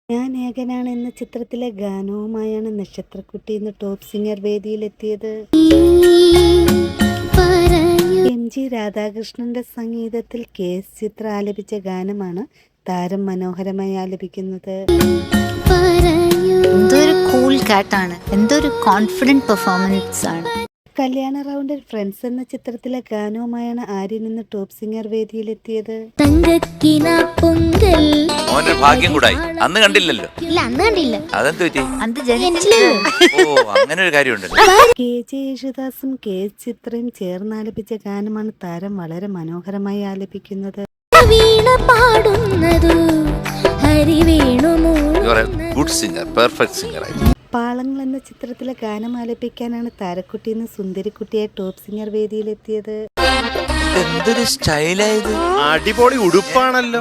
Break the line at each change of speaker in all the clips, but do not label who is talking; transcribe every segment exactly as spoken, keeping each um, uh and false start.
ഞാൻ ഏകനാണ് എന്ന ചിത്രത്തിലെ ഗാനവുമായാണ് നക്ഷത്രക്കുട്ടി ഇന്ന് ടോപ്പ് സിംഗർ വേദിയിലെത്തിയത്. എം ജി രാധാകൃഷ്ണന്റെ സംഗീതത്തിൽ കെ എസ് ചിത്ര ആലപിച്ച ഗാനമാണ് താരം മനോഹരമായി ആലപിക്കുന്നത്.
എന്തൊരു കൂൾ കാറ്റാണ്, എന്തൊരു കോൺഫിഡന്റ് പെർഫോമൻസ് ആണ്.
കല്യാണ റൗണ്ടിൽ ഫ്രണ്ട്സ് എന്ന ചിത്രത്തിലെ ഗാനവുമായാണ് ആര്യൻ ഇന്ന് ടോപ്പ് സിംഗർ വേദിയിലെത്തിയത്.
മോന്റെ ഭാഗ്യം കൂടായി. അന്ന് കണ്ടില്ലല്ലോ.
ഇല്ല, അന്ന് കണ്ടില്ല.
അതെന്ത് പറ്റി?
അന്ന് ജനിച്ചില്ലല്ലോ.
ഓ, അങ്ങനെ ഒരു കാര്യമുണ്ടല്ലോ.
കെ ജെ യേശുദാസും കെ എസ് ചിത്രയും ചേർന്ന് ആലപിച്ച ഗാനമാണ് താരം വളരെ മനോഹരമായി ആലപിക്കുന്നത്.
ഗുഡ് സിംഗർ, പെർഫെക്റ്റ് സിംഗർ ആയി.
പാളങ്ങൾ എന്ന ചിത്രത്തിലെ ഗാനം ആലപിക്കാനാണ് താരക്കുട്ടി ഇന്ന് സുന്ദരിക്കുട്ടിയെ ടോപ്പ് സിംഗർ വേദിയിലെത്തിയത്.
എന്തൊരു സ്റ്റൈലായത്!
അടിപൊളി ഉടുപ്പാണല്ലോ.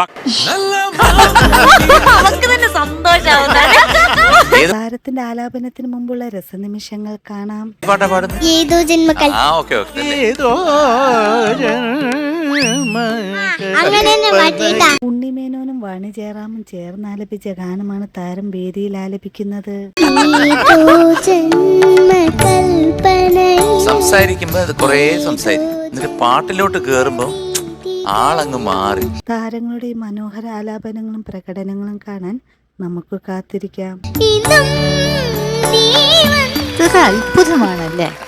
താരത്തിന്റെ ആലാപനത്തിന് മുമ്പുള്ള രസനിമിഷങ്ങൾ കാണാം.
പാട്ടാ പാടുന്നത്?
ഏതോ ജന്മക്കൽ.
ആ, ഓക്കെ ഓക്കെ.
അങ്ങനെ തന്നെ മാറ്റിയിട്ടാ.
ഉണ്ണിമേനോനും വാണി ജയറാമും ചേർന്ന് ആലപിച്ച ഗാനമാണ് താരം വേദിയിൽ ആലപിക്കുന്നത്.
സംസാരിക്കുമ്പോ അത് കൊറേ സംസാരിക്കും, എന്നിട്ട് പാട്ടിലോട്ട് കേറുമ്പോ ആളങ്ങ് മാറി.
താരങ്ങളുടെ ഈ മനോഹര ആലാപനങ്ങളും പ്രകടനങ്ങളും കാണാൻ നമുക്ക് കാത്തിരിക്കാം.
ഇതൊരു അത്ഭുതമാണല്ലേ.